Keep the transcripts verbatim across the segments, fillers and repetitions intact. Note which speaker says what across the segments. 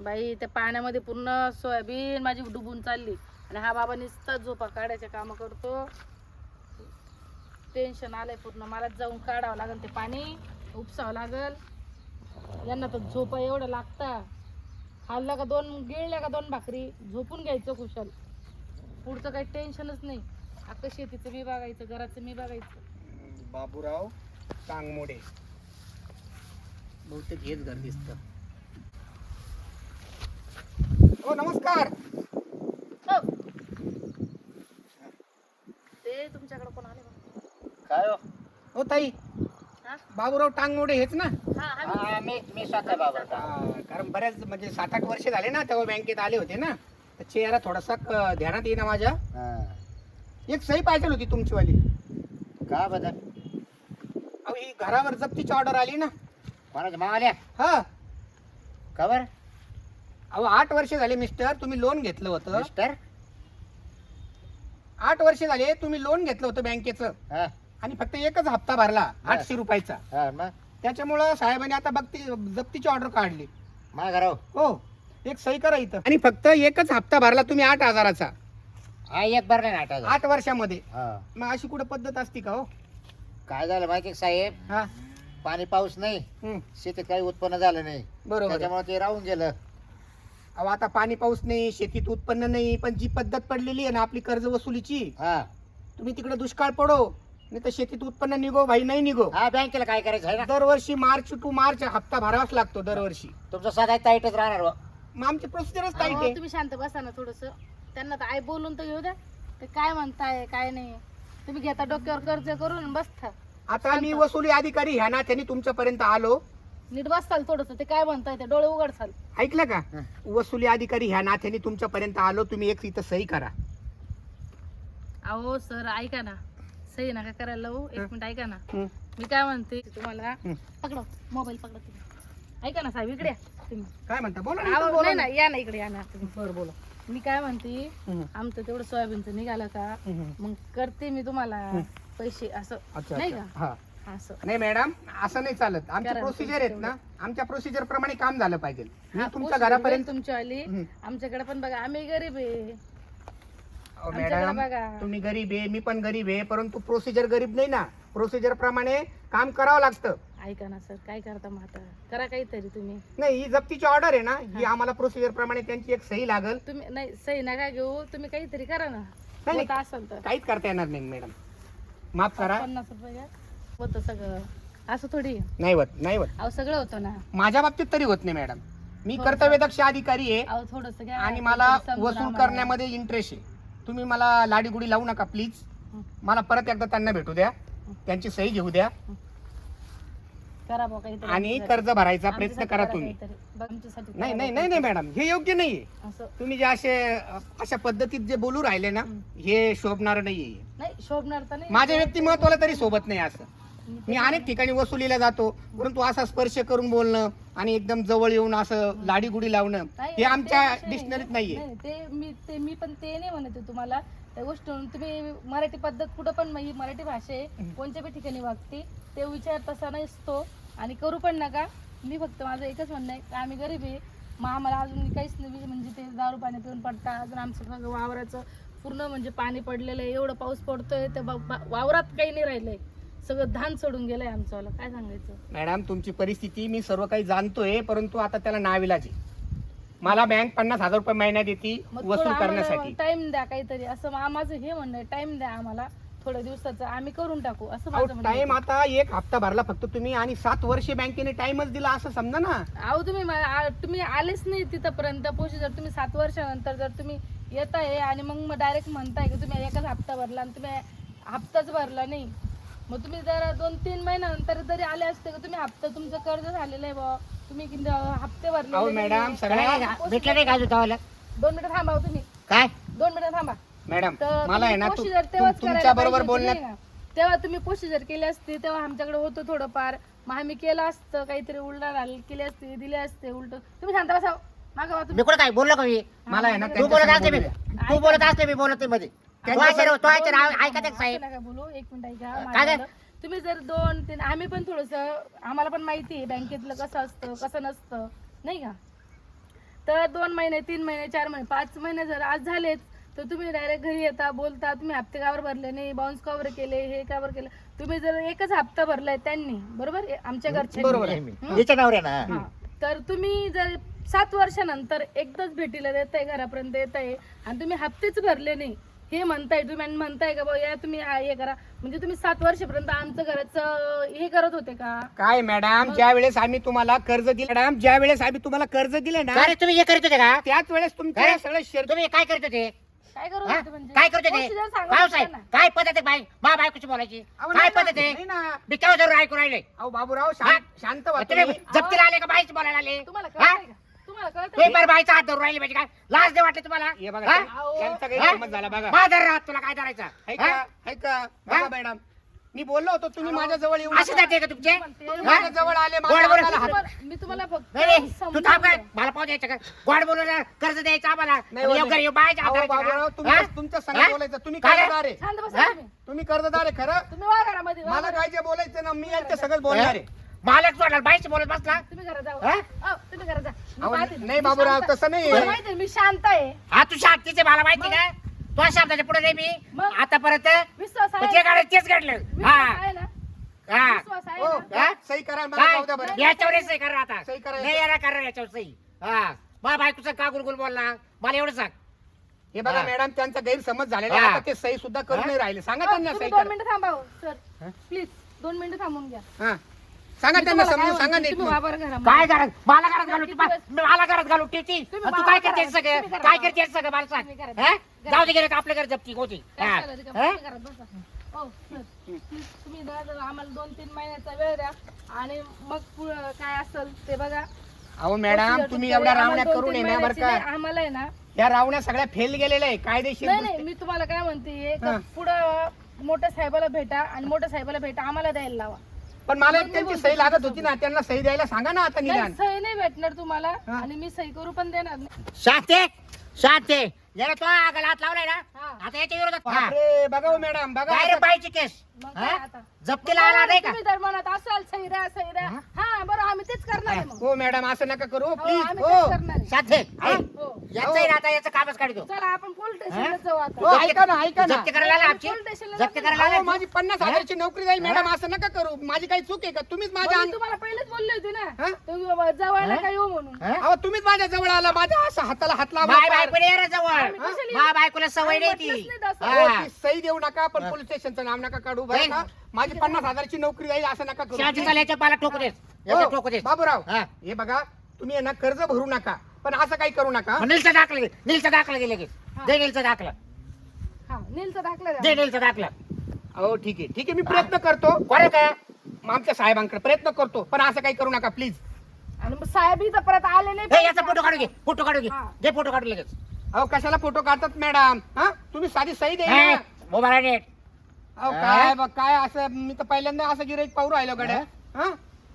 Speaker 1: बाई त्या पाण्यामध्ये पूर्ण सोयाबीन माझी डुबून चालली आणि हा बाबा नुसता झोपा काढायचे काम करतो. टेन्शन आलंय पूर्ण. मला जाऊन काढावं लागेल ते पाणी, उपसावं लागल. यांना तर झोपा एवढं लागता. खाल्ला का दोन, गिळल्या का दोन भाकरी, झोपून घ्यायचं खुशाल. पुढचं काही टेन्शनच नाही. आता शेतीचं मी बघायचं, घराचं मी बघायचं.
Speaker 2: बाबूराव टांगमोडे बहुतेक हेच घर दिसत. हो नमस्कार.
Speaker 1: हो. ते तुमच्याकडे कोण आले बा?
Speaker 3: काय हो?
Speaker 2: हो ताई,
Speaker 1: हा?
Speaker 2: बाबूराव टांगमोडे हेच ना?
Speaker 1: हा, आम्ही-
Speaker 3: हा, मी मी स्वतः बाबा.
Speaker 2: हा, कारण बऱ्याच म्हणजे सात आठ वर्ष झाले ना तेव्हा बँकेत आले होते ना, तर चेहरा थोडासा क- ध्यानात येईना माझ्या.
Speaker 3: हा.
Speaker 2: एक सही पाहिजे होती तुमचीवाली.
Speaker 3: का बदल?
Speaker 2: अहो ही घरावर जप्तीची ऑर्डर आली ना.
Speaker 3: कोणाच्या मावाल्या?
Speaker 2: हा.
Speaker 3: का बरं?
Speaker 2: अहो आठ वर्ष झाले मिस्टर, तुम्ही लोन घेतलं होतं.
Speaker 3: मिस्टर?
Speaker 2: आठ वर्ष झाले तुम्ही लोन घेतलं होतं बँकेचं
Speaker 3: हा,
Speaker 2: आणि फक्त एकच हप्ता भरला आठशे रुपयाचा.
Speaker 3: हा, मग
Speaker 2: त्याच्यामुळं साहेबांनी आता बघती जप्तीची ऑर्डर काढली.
Speaker 3: माझ्या घरावर
Speaker 2: हो, एक सही करा इथं. आणि फक्त एकच हप्ता भरला तुम्ही आठ हजाराचा
Speaker 3: हा एक बरं नाही नाटा.
Speaker 2: आठ वर्षामध्ये.
Speaker 3: हा.
Speaker 2: मग अशी कुठं पद्धत असती का हो?
Speaker 3: काय झालं माहिती का साहेब,
Speaker 2: हा.
Speaker 3: पाणी पाऊस नाही,
Speaker 2: हम्म.
Speaker 3: शेतीत काही उत्पन्न झालं नाही,
Speaker 2: बरोबर आहे.
Speaker 3: त्याच्यामुळे ते राहून गेलं.
Speaker 2: अहो आता पाणी पाऊस नाही, शेतीत उत्पन्न नाही, पण जी पद्धत पडलेली आहे ना आपली कर्ज वसुलीची,
Speaker 3: हा
Speaker 2: तुम्ही तिकडे दुष्काळ पडो नाही तर शेतीत उत्पन्न निघो भाई नाही निघो,
Speaker 3: हा, बँकेला काय करायचं आहे ना,
Speaker 2: दरवर्षी मार्च टू मार्च हप्ता भरावाच लागतो दरवर्षी.
Speaker 3: तुमचं सदा टाईटच राहणार हो.
Speaker 2: मग आमची प्रोसिजरच टाईट
Speaker 1: अहो,
Speaker 2: आहे.
Speaker 1: तुम्ही शांत बसा ना थोडस. त्यांना तर आई बोलून तर घेऊ द्या. ते काय म्हणताय काय नाही. तुम्ही घेता डोक्यावर कर्ज करून आणि बसता.
Speaker 2: आता मी वसुली अधिकारी ह्या ना त्यांनी तुमच्यापर्यंत आलो.
Speaker 1: नीट बसताल थोडस. ते काय म्हणताय ते डोळे उघडसाल.
Speaker 2: ऐकलं का?
Speaker 3: हं.
Speaker 2: वसुली अधिकारी ह्या नात्याने तुमच्यापर्यंत आलो. तुम्ही एक इथं सही करा.
Speaker 1: अहो सर ऐका ना, सही नका करायला लावू. एक
Speaker 2: हं.
Speaker 1: मिनिट ऐका ना.
Speaker 2: हं.
Speaker 1: मी काय म्हणते तुम्हाला,
Speaker 2: हं.
Speaker 1: पकडा मोबाईल, पकडा तुम्ही. ऐका ना साहेब, इकडे या तुम्ही.
Speaker 2: काय म्हणता? बोला ना,
Speaker 1: अहो,
Speaker 2: इथं बोला
Speaker 1: नाही
Speaker 2: ना.
Speaker 1: ना, या ना इकडे, या ना तुम्ही.
Speaker 2: बरं बोला.
Speaker 1: मी काय म्हणते,
Speaker 2: हं.
Speaker 1: आमचं तेवढं सोयाबीनचं निघालं का,
Speaker 2: हं.
Speaker 1: मग करते मी तुम्हाला
Speaker 2: हं.
Speaker 1: पैसे असं.
Speaker 2: अच्छा,
Speaker 1: नाही
Speaker 2: अच्छा.
Speaker 1: का
Speaker 2: हा.
Speaker 1: असं.
Speaker 2: नाही मॅडम, असं नाही चालत. आमची
Speaker 1: करा ना
Speaker 2: प्रोसिजर आहेत
Speaker 1: तुमचं
Speaker 2: ना, आमच्या प्रोसिजर प्रमाणे काम झालं पाहिजे. मी
Speaker 1: हा,
Speaker 2: तुमच्या
Speaker 1: पोस्ट
Speaker 2: घरापर्यंत.
Speaker 1: तुमची आली.
Speaker 2: हं.
Speaker 1: आमच्याकडे पण बघा, आम्ही गरीब आहे.
Speaker 2: अहो,
Speaker 1: आमच्याकडे
Speaker 2: मॅडम
Speaker 1: बघा.
Speaker 2: तुम्ही गरीब आहे, मी पण गरीब आहे, परंतु प्रोसिजर गरीब नाही ना. प्रोसिजर प्रमाणे काम करावं लागतं.
Speaker 1: ऐका ना सर, काय करता मग आता, करा काहीतरी तुम्ही.
Speaker 2: नाही, ही जप्तीची ऑर्डर आहे ना, ही आम्हाला प्रोसिजर प्रमाणे त्यांची एक सही लागल.
Speaker 1: तुम्ही नाही सही नका घेऊ, तुम्ही काहीतरी करा ना.
Speaker 2: नाही.
Speaker 1: होत असेल तर
Speaker 2: काहीच करता येणार नाही मॅडम, माफ करा.
Speaker 1: पन्नास रुपये घ्या. होतं सगळं. असं थोडी आहे.
Speaker 2: नाही होत, नाही होत.
Speaker 1: अहो सगळं होतं ना.
Speaker 2: माझ्या बाबतीत तरी होत नाही मॅडम. मी
Speaker 1: हो,
Speaker 2: कर्तव्यदक्ष अधिकारी आहे
Speaker 1: अहो थोडस घ्या.
Speaker 2: आणि मला
Speaker 1: काहीतरी समजून
Speaker 2: वसूल
Speaker 1: आम्हाला.
Speaker 2: करण्यामध्ये इंटरेस्ट आहे. तुम्ही मला लाडीगुडी लावू नका प्लीज.
Speaker 1: हं.
Speaker 2: मला परत एकदा त्यांना भेटू द्या, त्यांची सही घेऊ द्या
Speaker 1: करा बुवा काहीतरी.
Speaker 2: आणि
Speaker 1: आमच्यासाठी.
Speaker 2: कर्ज भरायचा प्रयत्न
Speaker 1: आमच्यासाठी
Speaker 2: करा
Speaker 1: करा
Speaker 2: तुम्ही.
Speaker 1: काहीतरी. बघ, आमच्यासाठी
Speaker 2: नाही
Speaker 1: करा
Speaker 2: नाही
Speaker 1: बुवा
Speaker 2: नाही नाही
Speaker 1: काहीतरी.
Speaker 2: मॅडम, हे योग्य नाहीये.
Speaker 1: असं
Speaker 2: तुम्ही जे असे अशा पद्धतीत जे बोलू राहिले ना,
Speaker 1: हं.
Speaker 2: हे शोभणार नाहीये.
Speaker 1: नाही शोभणार तर नाही.
Speaker 2: माझ्या व्यक्तिमत्वाला तरी सोबत नाही असं. मी अनेक ठिकाणी वसुलीला जातो, परंतु असा स्पर्श करून बोलणं आणि एकदम जवळ येऊन असं लाडीगुडी लावणं
Speaker 1: नाही,
Speaker 2: हे
Speaker 1: ते
Speaker 2: आमच्या
Speaker 1: विषय नाही.
Speaker 2: डिक्शनरीत नाहीये.
Speaker 1: नाही, ते मी ते मी पण ते नाही म्हणते तुम्हाला त्या गोष्टीवरून. तुम्ही मराठी पद्धत कुठं पण, मग ही मराठी भाषा आहे, कोणत्या बी ठिकाणी वागते. ते विचार तसा नसतो आणि करू पण नका. मी फक्त माझं एकच म्हणणं आहे की आम्ही गरीब आहे, मग आम्हाला अजून काहीच नाही. म्हणजे ते दारू पाणी पिऊन पडता, अजून आमचं सगळं वावराचं पूर्ण म्हणजे पाणी पडलेलं आहे. एवढं पाऊस पडतोय तर बा- बा- वावरात काही नाही राहिलंय, सगळं धान सोडून गेलंय आमचं. वाला काय सांगायचं.
Speaker 2: मॅडम तुमची परिस्थिती मी सर्व काही जाणतोय, परंतु आता त्याला नाविलाज आहे. मला बँक पन्नास हजार रुपये महिन्यात देते वसूल करण्यासाठी.
Speaker 1: टाइम द्या काहीतरी, असं मा- माझं हे म्हणणं आहे. टाइम द्या आम्हाला थोड्या दिवसाचं, आम्ही करून टाकू असं माझं म्हणणं आहे.
Speaker 2: टाइम आता एक हप्ता भरला फक्त तुम्ही आणि सात वर्षे बँकेने टाइमच दिला असं समजा ना.
Speaker 1: अहो तुम्ही मा- आ- तुम्ही आलेच नाही तिथपर्यंत पोहोचू. जर तुम्ही सात वर्षानंतर जर तुम्ही येत आहे आणि मग डायरेक्ट म्हणताय की तुम्ही एकच हप्ता भरला आणि तुम्ही हप्ताच भरला नाही, मग तुम्ही जर दोन तीन महिन्यानंतर जरी आले असते का तुम्ही हप्ता तुमचं कर्ज झालेलं आहे बा, तुम्ही किती हप्ते भरले.
Speaker 2: अहो मॅडम सगळ्या
Speaker 3: भेटलं नाही का गावाला?
Speaker 1: दोन मिनिटं थांबा हो तुम्ही,
Speaker 3: काय
Speaker 1: दोन मिनिटं थांबा.
Speaker 2: मॅडम
Speaker 1: तर
Speaker 2: मला आहे ना
Speaker 1: तुम्ही
Speaker 2: तु-
Speaker 1: procedure तेव्हाच
Speaker 2: तु-
Speaker 1: करायला
Speaker 2: तुमच्या बरोबर
Speaker 1: पाहिजे होती,
Speaker 2: बोलण्यात
Speaker 1: नाही का? तेव्हा तुम्ही प्रोसिजर केली असती, तेव्हा आमच्याकडे होतं थोडंफार, मग आम्ही केलं असतं काहीतरी, उलटा केले असते, दिले असते उलट. तुम्ही शांत बसा मागा
Speaker 3: मी कुठं काय बोललो का मी?
Speaker 2: मला आहे ना
Speaker 3: तू बोलत असते मी
Speaker 2: त्यांच्यासमोर
Speaker 3: तू बोलत असते मी बोलत नाही मध्ये. तो ऐकत तो ऐकत ऐकत आहे साहेब.
Speaker 1: नका बोलू, एक मिनिट ऐका
Speaker 3: काय
Speaker 1: माझं
Speaker 3: काय?
Speaker 1: झालं. तुम्ही जर दोन तीन, आम्ही पण थोडस, आम्हाला पण माहिती आहे बँकेतलं कसं असतं कसं नसतं, नाही का? तर दोन महिने तीन महिने चार महिने पाच महिने जर आज झालेच तर तुम्ही डायरेक्ट घरी येता बोलता तुम्ही हप्ते कावर भरले नाही बाउन्स कावर केले हे कावर केलं तुम्ही जर एकच हप्ता भरलाय त्यांनी बरोबर ए- आमच्या
Speaker 2: बरोबर
Speaker 1: घरच्या
Speaker 2: आहे.
Speaker 3: याच्या नवऱ्या ना
Speaker 1: हा. तर तुम्ही जर सात वर्षानंतर एकदाच भेटीला देत आहे घरापर्यंत येत आहे आणि तुम्ही हप्तेच भरले नाही हे म्हणताय तुम्ही आणि म्हणताय का बा या तुम्ही हा हे करा म्हणजे तुम्ही सात वर्षापर्यंत आमचं घराचं हे करत होते का
Speaker 2: काय मॅडम ज्या वेळेस आम्ही तुम्हाला कर्ज दिले मॅडम ज्या वेळेस आम्ही तुम्हाला कर्ज दिले ना
Speaker 3: अरे तुम्ही हे करीत होते का
Speaker 2: त्याच वेळेस तुमच्या
Speaker 3: काय?
Speaker 2: सगळं शेअर
Speaker 3: तुम्ही काय करीत होते
Speaker 1: काय करत
Speaker 3: हा?
Speaker 1: होते म्हणजे
Speaker 3: काय करत होते
Speaker 1: procedure सांगा
Speaker 3: भाऊ
Speaker 1: ना
Speaker 3: साहेब
Speaker 1: त्यांना.
Speaker 3: काय पद्धत आहे बाई मा बायकोची बोलायची
Speaker 2: अहो,
Speaker 3: काय
Speaker 2: नाही ना,
Speaker 3: पद्धत आहे
Speaker 2: नाही ना.
Speaker 3: मी केव्हा जरूर ऐकून राहिले
Speaker 2: अहो बाबूराव
Speaker 3: हा?
Speaker 2: शांत शांत व्हा
Speaker 3: तुम्ही
Speaker 2: तुम्ही.
Speaker 3: जप्तीला आले का बाईच बोलायला आले
Speaker 1: तुम्हाला
Speaker 3: हा?
Speaker 1: कळतंय का तुम्हाला कळतंय
Speaker 3: तुम्ही
Speaker 1: का?
Speaker 3: बरं बाईचा हात धरून राहिले पाहिजे काय लाज दे वाटले तुम्हाला
Speaker 2: हे बघा
Speaker 3: हा?
Speaker 1: अहो.
Speaker 2: त्यांचा
Speaker 3: हा?
Speaker 2: गैरसमज झाला बघा
Speaker 3: माझा राहत तुला काय करायचं
Speaker 2: ऐका
Speaker 3: हा?
Speaker 2: ऐका बघा मॅडम मी बोललो होतो तुम्ही माझ्या जवळ येऊ
Speaker 3: असे
Speaker 2: नका.
Speaker 3: जाते का तुमचे
Speaker 1: तुम्ही
Speaker 3: हा?
Speaker 2: माझ्या जवळ आले
Speaker 3: गोड
Speaker 2: माझ्या
Speaker 3: बोला.
Speaker 2: हाताला हात-
Speaker 1: तुम्हाला- मी तुम्हाला फक्त
Speaker 3: नाही, नाही, तू
Speaker 1: समजून
Speaker 3: थांब काय
Speaker 1: सांगते.
Speaker 3: मला पाहू द्यायचं का गोड बोलून कर्ज द्यायचं आम्हाला
Speaker 2: नाही,
Speaker 3: येऊ
Speaker 2: नाही.
Speaker 3: कर येऊ बायच्या हात
Speaker 2: अहो,
Speaker 3: धरायचं
Speaker 2: बाबूराव
Speaker 3: का?
Speaker 2: तुम्ही
Speaker 3: हा?
Speaker 2: तुमच्या
Speaker 3: हा?
Speaker 2: संग बोलायचं तुम्ही
Speaker 3: काय?
Speaker 2: कर्जदार आहे
Speaker 1: शांत बसा
Speaker 3: हा?
Speaker 1: तुम्ही
Speaker 2: तुम्ही कर्जदार आहे खरं
Speaker 1: तुम्ही वा घरामध्ये वा
Speaker 2: मला
Speaker 1: घरात.
Speaker 2: काय जे बोलायचं ना मी यांच्या सगळं बोलणार आहे
Speaker 3: मालक सोडला बाईच बोलत बसला
Speaker 1: तुम्ही घरात जाऊ
Speaker 3: हा?
Speaker 1: अहो, तुम्ही घरात जा मी
Speaker 2: अहो,
Speaker 1: पाहते.
Speaker 2: नाही
Speaker 1: मी
Speaker 2: बाबूराव
Speaker 1: शांत-
Speaker 2: तसं नाही
Speaker 1: तुम्हाला माहिती आहे, मी शांत आहे
Speaker 3: हा तू शांतीचे मला माहिती का तो शब्दाच्या पुढे नाही मी
Speaker 1: मग?
Speaker 3: आतापर्यंत
Speaker 1: विश्वास आहे
Speaker 3: जे गाडे तेच घडलं
Speaker 1: विश्वास
Speaker 3: हा
Speaker 1: आहे ना
Speaker 3: हा
Speaker 1: विश्वास आहे
Speaker 2: हो
Speaker 1: ना
Speaker 3: हा?
Speaker 2: सही करा मला
Speaker 3: काय
Speaker 2: जाऊ द्या बरं
Speaker 3: याच्यावर सही करा आता
Speaker 2: सही करा
Speaker 3: नाही याला करा याच्यावर सही हा बा बायकोचं का गुलगुल बोलला मला एवढं सांग
Speaker 2: हे बघा
Speaker 3: हा.
Speaker 2: मॅडम त्यांचा गैरसमज झालेला आहे
Speaker 3: हा.
Speaker 2: आता ते सही सुद्धा करू
Speaker 3: हा?
Speaker 2: नाही राहिले सांगा
Speaker 1: अहो,
Speaker 2: त्यांना
Speaker 1: तुम्ही
Speaker 2: सही
Speaker 1: दोन
Speaker 2: करा
Speaker 1: मिनिटं थांबा हो, सर
Speaker 2: हा?
Speaker 1: प्लीज दोन मिनिटं थांबून घ्या
Speaker 2: हा सांगा
Speaker 1: मी
Speaker 2: त्यांना
Speaker 1: तुम्हाला काय
Speaker 2: समजून सांगा
Speaker 1: म्हणते,
Speaker 2: नीट
Speaker 1: तुम्ही
Speaker 2: मग.
Speaker 1: वा बरं घरामध्ये.
Speaker 3: काय घरात मला घरात घालू
Speaker 1: किती
Speaker 3: तू
Speaker 1: दिवस?
Speaker 3: मला घरात घालू टीटी
Speaker 1: तुम्ही
Speaker 3: तू
Speaker 1: मला
Speaker 3: काय
Speaker 1: करा,
Speaker 3: करतेस सगळं
Speaker 1: तुम्ही करा.
Speaker 3: काय करतेस सगळं मला सांग
Speaker 1: तुम्ही करा,
Speaker 3: हा?
Speaker 1: करा.
Speaker 3: जाऊ दे गेले आपल्या घरी जप्ती होती
Speaker 1: काय
Speaker 3: हा?
Speaker 1: चाललं ते का?
Speaker 3: हा?
Speaker 1: तुम्ही घरात बसा. हो, सर, प्लीज तुम्ही ना जरा आम्हाला दोन तीन महिन्याचा वेळ द्या आणि मग पुढं काय असेल ते बघा
Speaker 2: अहो मॅडम
Speaker 1: Procedure
Speaker 2: तुम्ही
Speaker 1: तुमच्या
Speaker 2: एवढ्या
Speaker 1: आम्हाला
Speaker 2: रावण्या
Speaker 1: दोन
Speaker 2: करून
Speaker 1: तीन
Speaker 2: येणार बरं
Speaker 1: महिन्याची नाही,
Speaker 2: का
Speaker 1: आम्हाला आहे ना
Speaker 2: या रावण्या सगळ्या फेल गेलेल्या आहे कायदेशीर
Speaker 1: नाही नाही
Speaker 2: गोष्टी.
Speaker 1: मी तुम्हाला काय म्हणते
Speaker 2: हा.
Speaker 1: पुढं मोठ्या साहेबाला भेटा आणि मोठ्या साहेबाला भेटा आम्हाला द्यायला लावा
Speaker 2: पण मला
Speaker 1: मग
Speaker 2: एक
Speaker 1: मी
Speaker 2: त्यांची
Speaker 1: बोलते
Speaker 2: सही लागत
Speaker 1: तुमचं
Speaker 2: होती ना त्यांना सही द्यायला सांगा ना आता
Speaker 1: नाही
Speaker 2: निदान
Speaker 1: सही नाही भेटणार तुम्हाला
Speaker 2: हा.
Speaker 1: आणि मी सही करू पण देणार नाही
Speaker 3: शांते शांते याला तो आगाला हात लावलाय ना
Speaker 1: हा.
Speaker 3: आता याच्या विरोधात हा.
Speaker 2: बापरे बघा हो मॅडम बघा
Speaker 3: डायरेक्ट
Speaker 2: असं-
Speaker 3: बाईची केस
Speaker 1: मग काय
Speaker 3: हा?
Speaker 1: आता
Speaker 3: जप्तीला आला नाही का
Speaker 1: तुम्ही तर म्हणत असाल सही द्या सही द्या
Speaker 3: हा?
Speaker 1: हा बरं आम्ही तेच करणार आहे मग
Speaker 2: हो मॅडम असं नका करू
Speaker 1: हो,
Speaker 2: प्लीज
Speaker 1: आम्ही
Speaker 2: हो
Speaker 1: तेच करणार आहे.
Speaker 3: शांते
Speaker 2: हा?
Speaker 1: हो.
Speaker 3: याचं आता याचं कामच काढतो
Speaker 1: चला आपण पोलीस स्टेशनला
Speaker 3: हा?
Speaker 1: जाऊ
Speaker 2: हो
Speaker 1: आता
Speaker 2: ऐका ना ऐका ना
Speaker 3: जप्ती करायला आला आमची
Speaker 1: पोलीस स्टेशनला
Speaker 3: जप्ती
Speaker 1: जाऊ.
Speaker 3: करायला
Speaker 2: अहो,
Speaker 3: आला
Speaker 2: माझी पन्नास
Speaker 3: हा?
Speaker 2: हजाराची नोकरी जाईल मॅडम
Speaker 3: हा?
Speaker 2: असं नका करू माझी काही चूक आहे का तुम्हीच
Speaker 1: मग
Speaker 2: माझ्या
Speaker 1: मी
Speaker 2: अंग-
Speaker 1: तुम्हाला पहिलेच बोलली होती ना
Speaker 2: हा?
Speaker 1: तुम्ही बाबा जवळला
Speaker 3: हा?
Speaker 1: काय येऊ म्हणून
Speaker 3: हा?
Speaker 2: अहो तुम्हीच माझ्या जवळ आला माझ्या असं हाताला हात लावला
Speaker 3: माय
Speaker 2: पार.
Speaker 3: बायकोला ये रे जवळ
Speaker 1: आम्ही कशाला येऊ?
Speaker 3: मा बायकोला सवय नाही
Speaker 1: आम्ही
Speaker 3: ती
Speaker 1: म्हटलंच नाही तसं.
Speaker 2: हो,
Speaker 3: हा.
Speaker 2: ती सही देऊ नका पण
Speaker 3: हा.
Speaker 2: पोलीस स्टेशनचं नाव नका काढू बरं
Speaker 3: नाही.
Speaker 2: का माझी पन्नास हजाराची नोकरी जाईल असं नका करू
Speaker 3: शांती चाल याच्या पाला ठोकू देस याच्या
Speaker 2: हो,
Speaker 3: ठोकू देस
Speaker 2: बाबूराव
Speaker 3: हा.
Speaker 2: हे बघा तुम्ही आहे ना कर्ज भरू नका पण असं काही करू नका
Speaker 3: नीलचा दाखला घे नीलचा दाखला गेले की
Speaker 1: हा.
Speaker 3: दे नीलचा दाखला
Speaker 1: हा नीलचा दाखला
Speaker 3: दे
Speaker 1: द्या
Speaker 3: नीलचा दाखला
Speaker 2: हो ठीक आहे ठीक आहे मी प्रयत्न करतो
Speaker 3: कोण काय
Speaker 2: मग आमच्या साहेबांकडे प्रयत्न करतो पण असं काही करू नका प्लीज
Speaker 1: आणि मग साहेब इथं परत आले नाही
Speaker 3: हे याचा फोटो काढू घे फोटो काढू घे
Speaker 1: हा.
Speaker 3: घे फोटो काढू लगेच
Speaker 2: अहो कशाला फोटो काढतात मॅडम हा तुम्ही साधी सही द्या
Speaker 3: हे,
Speaker 2: ना.
Speaker 3: मोबाईल नेट
Speaker 2: अहो
Speaker 3: हा?
Speaker 2: काय बघ काय असं मी तर पहिल्यांदा असं गिराईक पाहू राहिलो गड्या हा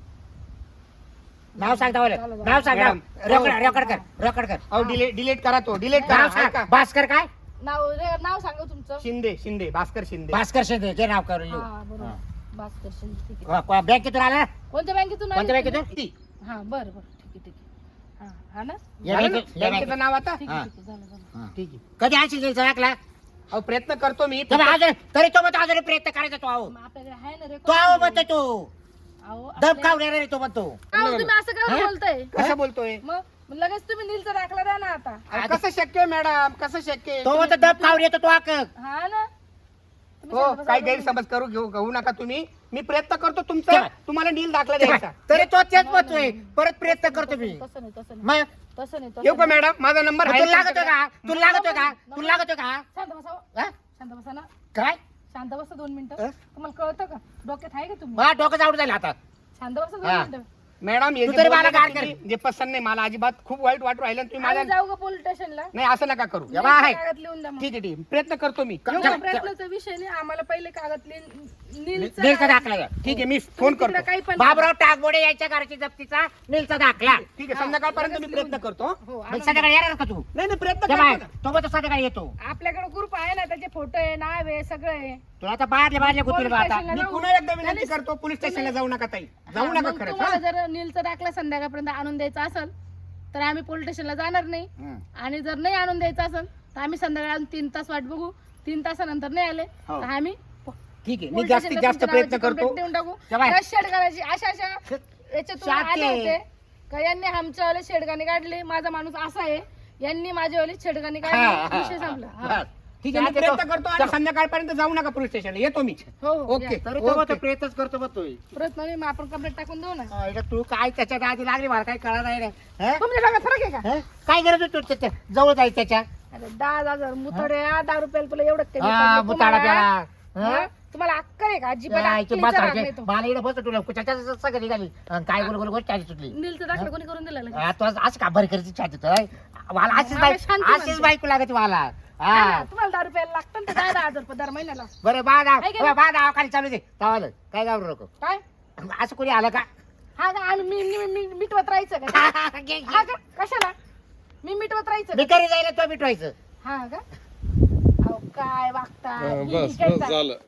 Speaker 3: नाव सांग दावलं
Speaker 1: झालं, झालं.
Speaker 3: नाव सांग नाव
Speaker 2: मॅडम.
Speaker 3: रेकॉर्ड रेकॉर्ड कर रेकॉर्ड कर
Speaker 2: अहो डिलीट डिलीट करा तो डिलीट
Speaker 3: नाव
Speaker 2: करा
Speaker 3: सांग
Speaker 2: ऐका.
Speaker 3: भास्कर काय
Speaker 1: नाव रे- नाव सांगा तुमचं
Speaker 2: शिंदे शिंदे भास्कर शिंदे
Speaker 3: भास्कर शिंदे जे नाव करून लिहू
Speaker 1: हा बरोबर
Speaker 3: हा.
Speaker 1: भास्कर शिंदे ठीक आहे
Speaker 3: को- को- बँकेतून आला
Speaker 1: कोणत्या बँकेतून
Speaker 3: कोणत्या
Speaker 1: आले
Speaker 3: बँकेतून
Speaker 1: तुम्ही? हा बरं बरं ठीक आहे ठीक आहे हा हा ना
Speaker 3: या
Speaker 2: झालं ना?
Speaker 3: बँकेत- या
Speaker 2: बँकेचं
Speaker 3: बँकेत.
Speaker 2: नाव आता
Speaker 1: ठीक
Speaker 3: हा.
Speaker 1: आहे ठीक आहे झालं झालं
Speaker 3: हा.
Speaker 2: ठीक आहे
Speaker 3: कधी आणशील नीलचा दाखला
Speaker 2: अहो प्रयत्न करतो मी
Speaker 3: तर अजून तरी तो म्हणतो अजून प्रयत्न करायचा तो आहो
Speaker 1: मग आपल्याकडे आहे ना
Speaker 3: तो आहो
Speaker 1: रेकॉर्ड
Speaker 3: म्हणतो तो
Speaker 1: अहो
Speaker 3: दम
Speaker 1: आपल्या-
Speaker 3: खाऊ रे तो म्हणतो
Speaker 1: अहो, तुम्ही असं काय
Speaker 3: हा?
Speaker 1: बोलताय
Speaker 2: कसं बोलतोय
Speaker 1: मग मग लगेच तुम्ही नीलचा दाखला द्या ना आता
Speaker 2: अहो, कसं शक्य आहे मॅडम कसं शक्य आहे?
Speaker 3: तो म्हणतो दम खाऊ येतो तो आक
Speaker 1: हा ना तुम्ही
Speaker 2: हो
Speaker 1: शांत बसा,
Speaker 2: काही
Speaker 1: दोन
Speaker 2: गैरसमज करू घेऊ घेऊ नका तुम्ही मी प्रयत्न करतो तुमचा
Speaker 3: तेव्हा.
Speaker 2: तुम्हाला नील दाखला द्यायचा
Speaker 3: तरी तो तेच म्हणतोय परत प्रयत्न करतो मी
Speaker 1: मिनिटं. तसं नाही तसं नाही
Speaker 3: मग
Speaker 1: तसं नाही तसं
Speaker 2: येऊ का
Speaker 1: नाही.
Speaker 2: मॅडम माझा नंबर
Speaker 3: मग
Speaker 2: आहे
Speaker 3: तुला लागतोय
Speaker 2: तुमच्याकडे?
Speaker 3: का तुला लागतोय का तुला लागतोय का
Speaker 1: शांत बसा हो.
Speaker 3: हा?
Speaker 1: शांत बसा ना
Speaker 3: काय
Speaker 1: शांत बसा दोन मिनिटं
Speaker 3: अं?
Speaker 1: तुम्हाला कळतं का डोक्यात आहे का तुम्ही
Speaker 3: मला डोकं आवड झालं आता
Speaker 1: शांत बसा दोन
Speaker 3: हा.
Speaker 1: मिनिटं
Speaker 2: मॅडम हे
Speaker 3: तू
Speaker 2: जे
Speaker 3: तरी
Speaker 2: बोलले
Speaker 3: मला
Speaker 2: ना
Speaker 3: गाड
Speaker 2: तुम्ही,
Speaker 3: कर.
Speaker 2: जे पसंत नाही मला अजिबात खूप वाईट वाटू राहिलं तुम्ही माझ्या
Speaker 1: आम्ही जाऊ का पोलीस स्टेशनला
Speaker 2: नाही असं नका करू
Speaker 3: या बा, आहे.
Speaker 1: कागद लिहून द्या मग.
Speaker 2: ठीक आहे ठीक आहे. प्रयत्न करतो मी
Speaker 3: का-
Speaker 2: येऊ
Speaker 1: एवढा
Speaker 2: का?
Speaker 1: प्रयत्नाचा विषय नाही आम्हाला पहिले कागद लिहून नीलचा
Speaker 3: नीलचा
Speaker 1: कागद-
Speaker 3: दाखला द्या.
Speaker 2: ठीक आहे मी फोन
Speaker 1: तिकडे
Speaker 2: करतो
Speaker 1: काही पण
Speaker 3: बाबराव टाकबोडे यांच्या घराची जप्तीचा नीलचा दाखला
Speaker 2: ठीक आहे संध्याकाळपर्यंत मी प्रयत्न करतो
Speaker 1: हो
Speaker 3: मग
Speaker 1: आणून
Speaker 3: संध्याकाळी येणार का तू
Speaker 2: नाही नाही प्रयत्न
Speaker 3: त्या
Speaker 2: करतो
Speaker 3: बाय
Speaker 2: ना.
Speaker 3: तो म्हणतो संध्याकाळी येतो
Speaker 1: द्या. आपल्याकडे ग्रुप आहे ना त्याचे फोटो आहे नाव आहे सगळं आहे
Speaker 3: तुला आता बाहेरले बाहेरले गुतवले बा आता
Speaker 1: स्टेशनला
Speaker 2: मी
Speaker 1: जाऊ.
Speaker 2: पुन्हा एकदा विनंती
Speaker 1: नाही,
Speaker 2: करतो पोलीस स्टेशनला जाऊ नका ताई
Speaker 1: हा,
Speaker 2: जाऊ नका
Speaker 1: मग
Speaker 2: खरंच
Speaker 1: तुम्हाला
Speaker 2: हा?
Speaker 1: जर नीलचा दाखला संध्याकाळपर्यंत आणून द्यायचा असेल तर आम्ही पोलीस स्टेशनला जाणार नाही.
Speaker 2: हं.
Speaker 1: आणि जर नाही आणून द्यायचं असेल तर आम्ही संध्याकाळी अजून तीन तास वाट बघू. तीन तासानंतर नाही आले
Speaker 2: हो.
Speaker 1: तर आम्ही
Speaker 2: ठीक आहे मी
Speaker 1: पोलीस
Speaker 2: जास्तीत
Speaker 1: स्टेशनला
Speaker 2: जास्त
Speaker 1: तुमच्या
Speaker 2: प्रयत्न
Speaker 1: नावाची
Speaker 2: करतो
Speaker 1: complaint देऊन टाकू.
Speaker 2: तेव्हा-
Speaker 1: त्या शेडगाण्याची अशा अशा याच्यातून
Speaker 2: शाते.
Speaker 1: आले होते का यांनी आमच्यावाले शेडगाणी काढले. माझा माणूस असा आहे, यांनी माझ्यावाले शेडगाणी
Speaker 2: हा,
Speaker 1: काढली.
Speaker 2: हा,
Speaker 1: विषय संपला.
Speaker 2: हा.
Speaker 1: हा.
Speaker 2: ठीक आहे मी
Speaker 3: शाते तो-
Speaker 2: प्रयत्न करतो आणि संध्याकाळपर्यंत जाऊ नका पोलीस स्टेशनला येतो मी.
Speaker 1: हो हो
Speaker 2: ओके.
Speaker 1: या.
Speaker 3: तरी तो
Speaker 2: ओके.
Speaker 3: प्रयत्नच करतो मग तू
Speaker 1: प्रयत्न नाही, मग आपण कंप्लेंट टाकून देऊ ना.
Speaker 3: हा, इकडे तू काय त्याच्या आधी लागली मला काही कळणार नाही रे. हं?
Speaker 1: तुमच्या डोक्यात फरक आहे का?
Speaker 3: हं? काय गरज होती तू त्याच्या जवळ जायचं त्याच्या
Speaker 1: अरे दहा हजार मुतड्या दहा रुपयाला तुला एवढं कमी
Speaker 3: हा,
Speaker 1: पडलं
Speaker 3: बुताडा
Speaker 1: तुम्हाला?
Speaker 3: प्याला.
Speaker 1: हा? तुम्हाला अक्कल आहे का? अजिबात
Speaker 3: या, इथे
Speaker 1: अक्कलीचा
Speaker 3: बस
Speaker 1: राग
Speaker 3: सारखे.
Speaker 1: नाही तो.
Speaker 3: मला इकडे बस तुला त्याच्या सगळं निघाली अन काय गोल गोल गोष्ट आली सुटली
Speaker 1: नीलचं दाखलं कोणी करून दिलं लगेच?
Speaker 3: हा, तू असं का बरं करायची छाती तर मला अशीच
Speaker 1: मला
Speaker 3: बाईक
Speaker 1: शांती
Speaker 3: अशीच
Speaker 1: म्हणते.
Speaker 3: बायको लागते मला
Speaker 1: हा
Speaker 3: हा
Speaker 1: ना, तुम्हाला दहा रुपयाला लागतं ना ते दहा दहा हजार रुपये दर महिन्याला.
Speaker 3: बरं बा नाव
Speaker 1: काय केलं?
Speaker 3: बा नाव खाली चालू दे तवालं काय घाबरू नको
Speaker 1: काय
Speaker 3: असं कोणी आलं का
Speaker 1: हा का आम्ही मी मी- मी मिटवत राहायचं का? हा का कशाला मी मिटवत राहायचं
Speaker 3: मी
Speaker 1: का?
Speaker 3: घरी जायला तो मिटवायचं
Speaker 1: हा का अहो, काय वागता
Speaker 4: हा,
Speaker 1: ही
Speaker 4: बस
Speaker 1: काय
Speaker 4: बस
Speaker 1: चा-
Speaker 4: झालं